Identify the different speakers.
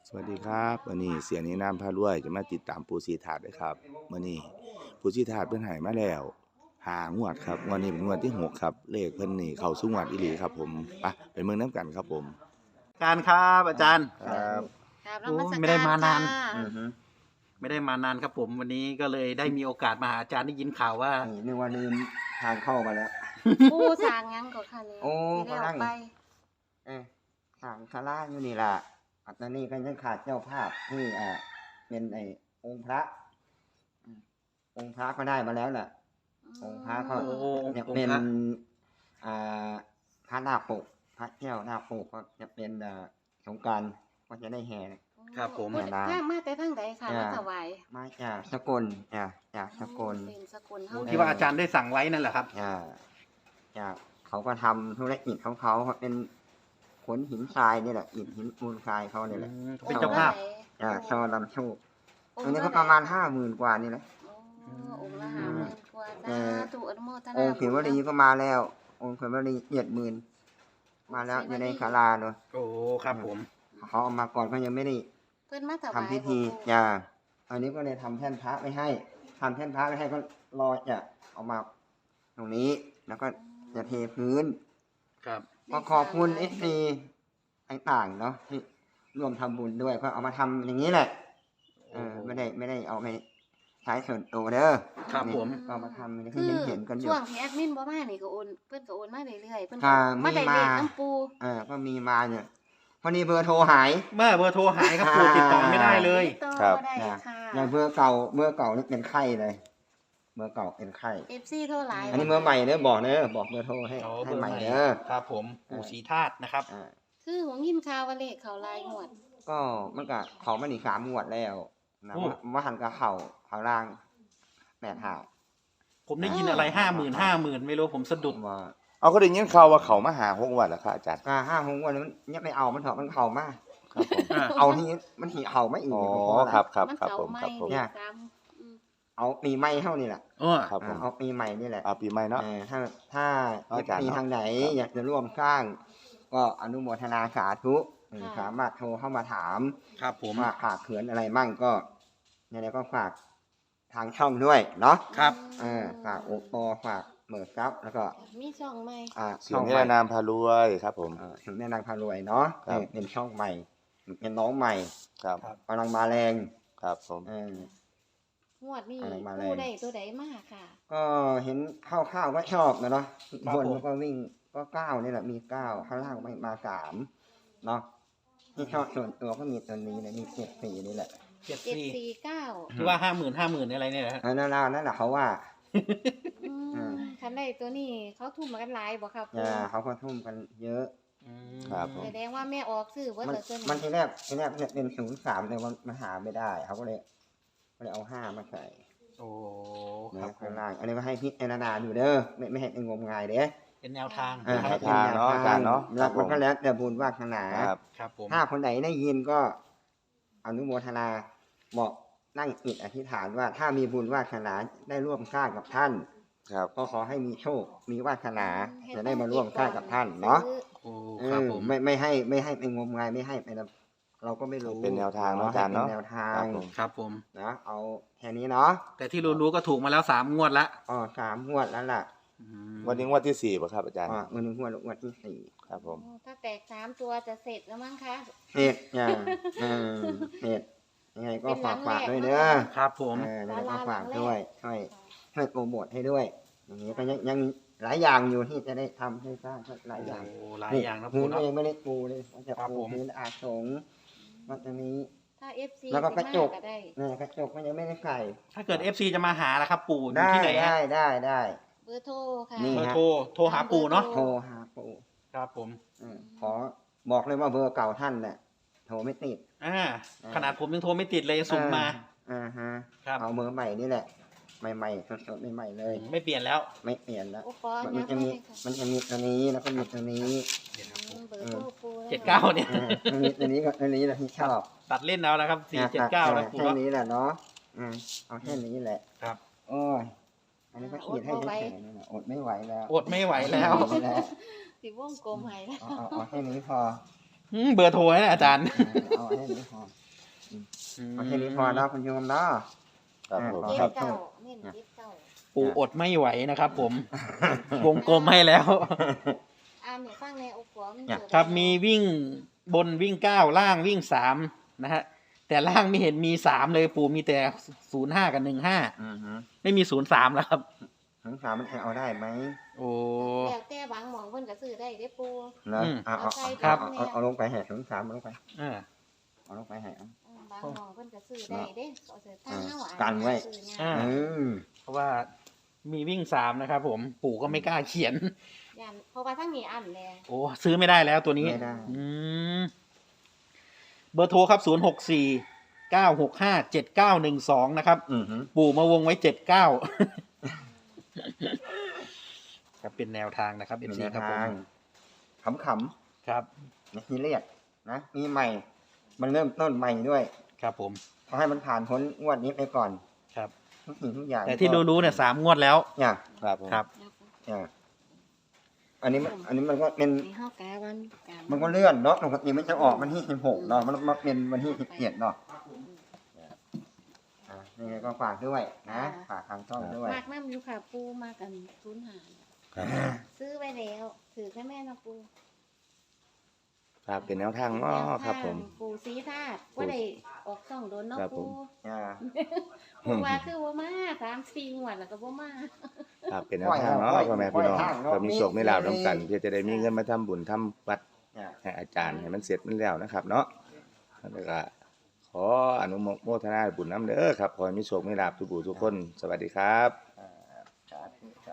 Speaker 1: สวัสดีครับวันนี้เสียนี้น้ำพารวยจะมาติดตามปูสีถาดด้วยครับวันนี้ปูสีถาดเพิ่นใหายมาแล้ว5 งวดครับงวดนี้เป็นงวดที่6ครับเลขเพิ่นนี่เข้าสู่งวดอีหลีครับผมไปเมืองน้ำกันครับผม
Speaker 2: การครับอาจารย์
Speaker 1: ครับ
Speaker 3: ครับน
Speaker 2: โอ้
Speaker 3: มัสการ
Speaker 2: ไม่ได้มานาน
Speaker 3: ค่ะ
Speaker 2: อือฮึไม่ได้มานานครับผมวันนี้ก็เลยได้มีโอกาสมาหาอาจารย์ได้ยินข่าวว่า
Speaker 4: นึกว่าลืมทางเข้ามาแล้ว
Speaker 3: ปูสร้างหยังก็ค่ะเนี่ย
Speaker 4: โอ้
Speaker 3: ที่ได้ออก
Speaker 4: กำลัง
Speaker 3: ไป
Speaker 4: ทางคาร่าอยู่นี่ล่ะตอนนี้ก็ยังขาดเจ้าภาพที่เป็นองค์พระอืมองค์พระก็ได้มาแล้วแหละองค์พระก็
Speaker 2: โอ้
Speaker 4: จะ
Speaker 2: องค์พระ
Speaker 4: เป็นพระนาคปกพระแก้วนาคปกก็จะเป็นสงกรานต์ก็จะได้แห่
Speaker 2: ครับผม
Speaker 3: พูดทางมาแต่ทางใดค่ะ
Speaker 4: อ่า
Speaker 3: มาถวาย
Speaker 4: มาจากสกลจากสกล
Speaker 3: เป็นสกุลเฮา
Speaker 2: ที่ว่าอาจารย์ได้สั่งไว้นั่นแหละครับ
Speaker 4: จากเขาก็ทำธุรกิจของเขาเป็นขนหินทรายนี่แหละอิฐหินมูลทรายเขาเนี่ยแหละ
Speaker 2: เขาเป็นเจ้าภาพ
Speaker 4: ชอลำโชค
Speaker 3: อง
Speaker 4: อัน
Speaker 3: ค์
Speaker 4: นี้
Speaker 3: เท่
Speaker 4: ก็ประมาณ50,000 กว่านี่แหละ
Speaker 3: โอ้องค์ละ50,000กว่า
Speaker 4: เอ
Speaker 3: สา
Speaker 4: อ
Speaker 3: ธุอนุโมทนา
Speaker 4: องค์เขมวลีก็มาแล้ว องค์เขมวลี70,000มาแล้วอยู่ในศาลาเนาะ
Speaker 2: โอ้ครับผม
Speaker 4: เขาเอามาก่อนเขายังไม่ได้
Speaker 3: เพิ่นมาถวาย
Speaker 4: ทำพิธี
Speaker 3: บ่ปู่
Speaker 4: อันนี้ก็เลยทำแท่นพระไม่ให้ทำแท่นพระไม่ให้ก็รอจะเอามาตรงนี้ แล้วก็จะเทพื้น
Speaker 2: ครับ
Speaker 4: ก็ขอบคุณFC ต่างๆเนาะที่ร่วมทำบุญด้วยก็เอามาทำอย่างนี้แหละไม่ได้เอาไปใช้ส่วนตัวเด้อ
Speaker 2: ครับผม
Speaker 4: ก็เอามาทำอย่าง
Speaker 3: คื
Speaker 4: ที่
Speaker 3: อ
Speaker 4: เห็นกันอยู่
Speaker 3: ช่วงที่แอดมินบ่มานี่ก็โอนเพิ่นก็โอนมาเรื่อยๆเพิ่น
Speaker 4: ค่ะ
Speaker 3: ก็มาได้
Speaker 4: มี
Speaker 3: เล
Speaker 4: มา
Speaker 3: ขน้ำปู
Speaker 4: ก็มีมาเนี่ยพอดีเบอร์โทรหาย
Speaker 2: เมื่อเบอร์โทรหายครับปู่ติดต่อไม่ได้เลย
Speaker 3: ติดต่อ
Speaker 1: ครับ
Speaker 3: บ่ได้
Speaker 4: นะ
Speaker 3: ค่ะ
Speaker 4: อย่างเบอร์เก่านี่เป็นไข้เลยเบอร์เก่าเป็นไข้
Speaker 3: FC โทรหลาย
Speaker 4: อันนี้เบอร์ใหม่เด้อบอกเด้อบอกเบอร์โทรให้
Speaker 2: อ๋อ
Speaker 4: ให้
Speaker 2: เบอร์
Speaker 4: ใหม่
Speaker 2: ใหม่
Speaker 4: เด้อ
Speaker 2: ครับผมปู่ศรีธาตุนะครับ
Speaker 3: คือหงยินข่าวว่าเลขเขาหลายงวด
Speaker 4: ก็มันก็เขามาอีก3 งวดแล้วนะ
Speaker 2: โอ้
Speaker 4: ว่าหันกับเขาล่าง8 หา
Speaker 2: ผมได้ยินอะไร50,000ไม่รู้ผมสะดุด
Speaker 4: ว่า
Speaker 1: เอาก็ได้ยินข่าวว่าเขามาหา6 งวดแล้วครับอาจารย์
Speaker 4: 5 6 วันมันยังไม่เอามันเถอะมันเข่ามาก
Speaker 1: ครับผม
Speaker 4: เอาที่มันหีเข่าไม่อีก
Speaker 1: อ๋อ
Speaker 4: เพาะอะไร
Speaker 1: ครับครับ
Speaker 3: มัน
Speaker 1: ครับ
Speaker 3: เก่า
Speaker 1: ผม
Speaker 3: ใหม่
Speaker 1: ครับผม
Speaker 3: นี่ตาม
Speaker 4: เอาปีใหม่เท่านี่แหละ
Speaker 1: ครับผม
Speaker 4: เอาปีใหม่นี่แหละ
Speaker 1: เอาปีใหม่เนาะ
Speaker 4: ถ้า
Speaker 1: อาจารย์
Speaker 4: มี
Speaker 1: เนาะ
Speaker 4: ทางไหน
Speaker 1: ครับ
Speaker 4: อยากจะร่วมสร้าง ก็อนุโมทนาสาธุสามารถโทรเข้ามาถาม
Speaker 2: ครับผม
Speaker 4: ว่าขาดเขินอะไรมั่งก็เนี่ยก็ฝากทางช่องด้วยเนาะ
Speaker 2: ครับ
Speaker 4: ฝากโอปอฝากเหมิร์ครับแล้วก็
Speaker 3: มีช่องใหม่
Speaker 1: เสียนี้นามพารวยครับผม
Speaker 4: ถึงแม่นางพารวยเนาะ
Speaker 1: ครับ
Speaker 4: เป็นช่องใหม่เป็นน้องใหม่
Speaker 1: ครับ
Speaker 4: กำลังมาแรง
Speaker 1: ครับผม
Speaker 3: งวดนี้
Speaker 4: อะไรมาแรง
Speaker 3: ผู้ใดตัวใดมากค่ะ
Speaker 4: ก็เห็นข้าวๆก็ชอบนะเนาะ
Speaker 2: ครับ
Speaker 4: บน
Speaker 2: ผม
Speaker 4: ก็วิ่งก็9นี่แหละมี9ข้างล่างไม่มา3เนาะที่ชอบส่วนตัวก็มีตัวนี้เลยมี74นี่แหละ
Speaker 3: 749
Speaker 2: ที่ว่า50,000อะไรเนี่ยนะฮะ
Speaker 4: นั่นแหละเขาว่า
Speaker 3: คันใดตัวนี้เขาทุ่มมากันหลายบ่ครับ
Speaker 4: เขาก็ทุ่มกันเยอะ
Speaker 1: ครับผม
Speaker 3: แสดงว่าแม่ออกซื้อเบิด
Speaker 4: มัน
Speaker 3: ละส่วน
Speaker 4: มันทีแรกเป็น03แต่มันหาไม่ได้เขาก็เลยเอา5มาใส่
Speaker 2: โอ้ค
Speaker 4: นะ
Speaker 2: รับผ
Speaker 4: ข้าม งล่างอันนี้ก็ให้พิจารณาดูเด้อไม่ให้งมงายเด้อ
Speaker 2: เป็นแนวทาง
Speaker 1: แนวทางเนาะอาจารย์เนาะ
Speaker 4: แล้วมันก็แล้วแต่บุญวาสนา
Speaker 1: ครับ
Speaker 2: ครับผม
Speaker 4: ถ้าคนไหนได้ยินก็อนุโมทนาบอกนั่งจิตอธิษฐานว่าถ้ามีบุญวาสนาได้ร่วมสร้างกับท่าน
Speaker 1: ครับ
Speaker 4: ก็ขอให้มีโชคมีวาสนาจะได้มาร่วมสร้างกับท่านเนาะ
Speaker 2: โอ้ครับผม
Speaker 4: ไม่ให้ไปงมงายไม่ให้ไปนะเราก็ไม่รู้
Speaker 1: เป็นแนวทางเนาะอาจารย์เนาะ
Speaker 4: ป็แนวทา
Speaker 1: ครั
Speaker 4: ง
Speaker 1: บผม
Speaker 2: ครับผม
Speaker 4: นะเอาแค่นี้เนาะ
Speaker 2: แต่ที่รู้ๆก็ถูกมาแล้ว3 งวดละ
Speaker 4: 3 งวดแล้วล่ะ
Speaker 1: วันนี้งวดที่4ป่ะครับอาจารย์
Speaker 4: วันนี้งวดที่
Speaker 1: ครับผม
Speaker 3: ถ้าแตก3ตัวจะเสร็จแล้วมั้งคะ
Speaker 4: 4เฮ็ดเฮ็ดยังไงก็ฝากด้วยเด้อ
Speaker 2: ครับผม
Speaker 4: แล้วก็ฝากด้วยช่วยโปรโมทให้ด้วย อย่างนี้ก็ยังหลายอย่างอยู่ที่จะได้ทำให้สร้างหลายอย่าง
Speaker 2: โอ้หลายอย่างนะ
Speaker 4: พื้
Speaker 2: ปู่
Speaker 4: น
Speaker 2: เนาะ
Speaker 4: เองไม่ได้ปูเลยจะ
Speaker 2: ครับ
Speaker 4: ปู
Speaker 2: ผม
Speaker 4: พื้นอาสงฆ์มันจะมี
Speaker 3: ถ้า FC
Speaker 4: แล้วก็กระจก
Speaker 3: ก็ได้
Speaker 4: กระจกมันยังไม่ได้ใส่
Speaker 2: ถ้าเกิด FC จะมาหาล่ะครับ ปู่อยู่
Speaker 4: ได้
Speaker 2: ที่ไหนฮะ
Speaker 4: ได้
Speaker 3: เบอร์โทรค่ะ
Speaker 4: นี่
Speaker 2: เบอร์โทรหาปู่เนาะ
Speaker 4: โทรหาปู
Speaker 2: ครับผม
Speaker 4: ขอบอกเลยว่าเบอร์เก่าท่านแหละโทรไม่ติด
Speaker 2: ขนาดผมยังโทรไม่ติดเลยสุ่มมา ครับ
Speaker 4: เอาเบอร์ใหม่นี่แหละ ใหม่ๆสดๆใหม่ๆเลย
Speaker 2: ไม่เปลี่ยนแล้ว
Speaker 4: ไม่เปลี่ยนแล้ว
Speaker 3: โอ้ปอ
Speaker 4: มัน
Speaker 3: ยั
Speaker 4: จะ
Speaker 3: ง
Speaker 4: มี
Speaker 3: ไม่ค่ะ
Speaker 4: มันจะมีตัวนี้แล้วก็มีตัวนี้
Speaker 3: เบอร์โทรปู
Speaker 2: 79เนี่ย
Speaker 4: มันมีตัวนี้กับตัวนี้แหละที่ชอบ
Speaker 2: ตัดเล่นเอาแล้วครับ479แล้วปู่
Speaker 4: แค่
Speaker 2: เนาะ
Speaker 4: นี้แหละเนาะเอาแค่นี้แหละ
Speaker 2: ครับ
Speaker 4: โอ้ยอันนี้ก็ขีดให้เฉยๆนี่แหละอดไม่ไหวแล้ว
Speaker 2: อดไม่ไหวแล้ว
Speaker 4: ไม่ไหวแล้ว
Speaker 3: สิวงกลมให้แล้ว
Speaker 4: เอาแค่นี้พอ
Speaker 2: เบอร์โทรนะอาจารย์
Speaker 4: เอาแค่นี้พอเอาแค่นี้พอเนาะคุณโยมเนาะ
Speaker 1: ครับผม
Speaker 3: เจ็ด
Speaker 1: ครับ
Speaker 3: เก้าเน้นเจ็ดเก้า
Speaker 2: ปู่อดไม่ไหวนะครับผม วงกลมให้แล้ว
Speaker 3: อ่านเนี่ยฟังในโอ้โหมัน
Speaker 2: ครับมีวิ่งบนวิ่ง9ล่างวิ่ง3นะฮะแต่ล่างไม่เห็นมี3เลยปู่มีแต่05กับ15
Speaker 4: อือฮึ
Speaker 2: ไม่มี03แล้วครับ
Speaker 4: ถึงสามมันเอาได้ไหม
Speaker 2: โอ้
Speaker 3: แล้วแต่บางหมองเพิ่นก็ซื้อได้ได้ปู
Speaker 4: นะ
Speaker 2: อืม
Speaker 4: เอาลงไปแห่ถึงสามเอาลงไป
Speaker 2: อ่า
Speaker 4: เอาลงไปแห่เอา
Speaker 3: บางหมองเพิ่นก็ซื้อได้เด้เอาเสื้อผ้าเฮาอ่ะ
Speaker 4: กันไว้
Speaker 3: ซื้อยาก
Speaker 2: อ่า เพราะว่ามีวิ่ง3นะครับผมปู่ก็ไม่กล้าเขียน
Speaker 3: ย่านเพราะว่าทั้งนี้อันแล
Speaker 2: โอ้ซื้อไม่ได้แล้วตัวนี้
Speaker 4: ไม่ได้
Speaker 2: อืมเบอร์โทรครับ064-965-7912นะครับ
Speaker 4: อือฮึ
Speaker 2: ปู่มาวงไว้79 ครับเป็นแนวทางนะครับ
Speaker 4: เป็น
Speaker 2: FC
Speaker 4: แนว
Speaker 2: ครับผ
Speaker 4: ทาง
Speaker 2: ม
Speaker 4: ขำ
Speaker 2: ครับ
Speaker 4: ๆในทีเรียกนะมีใหม่ มันเริ่มต้นใหม่ด้วย
Speaker 2: ครับผม
Speaker 4: เขาให้มันผ่านพ้นงวดนี้ไปก่อน
Speaker 2: ครับ
Speaker 4: ทุกสิ่งทุกอย่าง
Speaker 2: แต่ที่รู้ๆเนี่ย3 งวดแล้ว
Speaker 4: เนี่ย
Speaker 1: ครับผม
Speaker 2: ครับ
Speaker 4: เนี่ยอันนี้มันก็เป็น
Speaker 3: มีเฮากะวันกะ
Speaker 4: มันก็เลื่อนเนาะปกติมันจะออกวันที่16เนาะมันมาเป็นวันที่17เนาะนี่ไงก็ฝากด้วยนะฝากทางช่องด้วย
Speaker 3: มากน้ำอยู่ค่ะปูมากัน05
Speaker 1: ครับ
Speaker 3: ซื้อไว้แล้วถือแค่แม่นะปู
Speaker 1: ครับเป็นแนวทางเนาะครับผม
Speaker 3: ปูสีธาตุว่าได้ออกส่องโดนเนาะ
Speaker 1: ครับผ
Speaker 3: ปู
Speaker 1: ม
Speaker 4: อ่า
Speaker 3: ปูว่าคือว่ามา3-4 งวดแล้วก็บ่มา
Speaker 1: ครับเป็นแนวทางเนาะพ่อแม่พี่น้องก็มีโชคมีลาภร่วมกันเพื่อจะได้มีเงินมาทำบุญทำวัด
Speaker 4: เนี่ย
Speaker 1: ให้อาจารย์ให้มันเสร็จมันแล้วนะครับ เนาะแล้วก็ขออนุโมทนาบุญน้ำเด้อครับขอให้มีโชคมีลาภทุกผู้ทุกคน สวัสดีครับ
Speaker 4: สาธุ